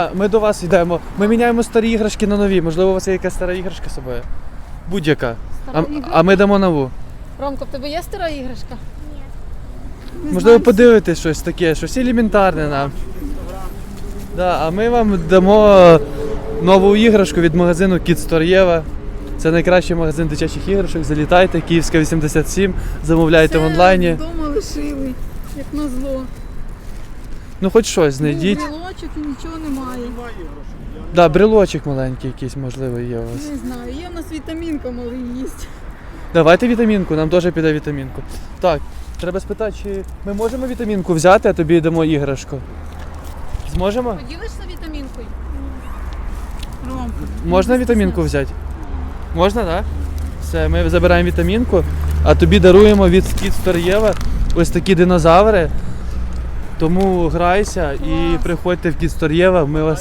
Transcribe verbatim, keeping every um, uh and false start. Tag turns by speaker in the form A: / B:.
A: Ми до вас йдемо. Ми міняємо старі іграшки на нові. Можливо, у вас є якась стара іграшка з собою? Будь-яка. А, а ми дамо нову.
B: Ромко, в тебе є стара іграшка? Ні.
A: Можливо, подивитись щось таке, щось елементарне нам. Да, а ми вам дамо нову іграшку від магазину Kids Store Єва. Це найкращий магазин дитячих іграшок. Залітайте, Київська вісімдесят сім, замовляйте в онлайні.
B: Вдома лишили, як назло.
A: Ну хоч щось знайдіть.
B: Був брелочок і нічого немає.
A: Да, брелочок маленький якийсь, можливо, є у вас.
B: Не знаю, є в нас вітамінка, малий їсть.
A: Давайте вітамінку, нам теж піде вітамінку. Так, треба спитати, чи ми можемо вітамінку взяти, а тобі дамо іграшку. Зможемо?
B: Поділишся вітамінкою? Ромко.
A: Можна вітамінку взяти? Можна, так? Да? Все, ми забираємо вітамінку, а тобі даруємо від Kids Store Єва ось такі динозаври. Тому грайся і приходьте в Kids Store Єва, ми вас